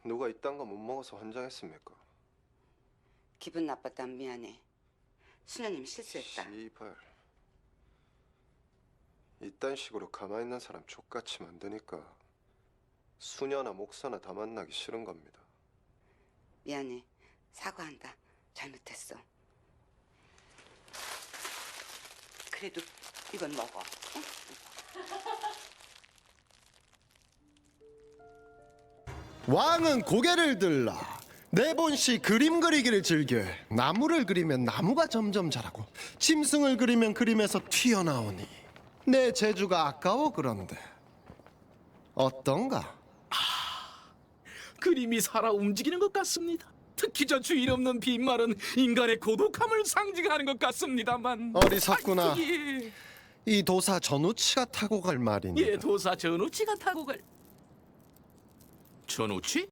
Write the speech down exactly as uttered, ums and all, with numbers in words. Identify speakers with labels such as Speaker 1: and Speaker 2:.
Speaker 1: 누가 이딴 거 못 먹어서 환장했습니까?
Speaker 2: 기분 나빴다면 미안해. 수녀님 실수했다.
Speaker 1: 씨발. 이딴 식으로 가만히 있는 사람 족같이 만드니까 수녀나 목사나 다 만나기 싫은 겁니다.
Speaker 2: 미안해. 사과한다. 잘못했어. 그래도 이건 먹어. 응?
Speaker 3: 왕은 고개를 들라 네본씨 그림 그리기를 즐겨. 나무를 그리면 나무가 점점 자라고 짐승을 그리면 그림에서 튀어나오니 내 재주가 아까워. 그런데 어떤가?
Speaker 4: 그림이 살아 움직이는 것 같습니다. 특히 저 주인 없는 빈말은 인간의 고독함을 상징하는 것 같습니다만.
Speaker 3: 어리석구나.
Speaker 4: 아, 예.
Speaker 3: 이 도사 전우치가 타고 갈 말이니
Speaker 4: 예, 도사 전우치가 타고 갈. 전우치?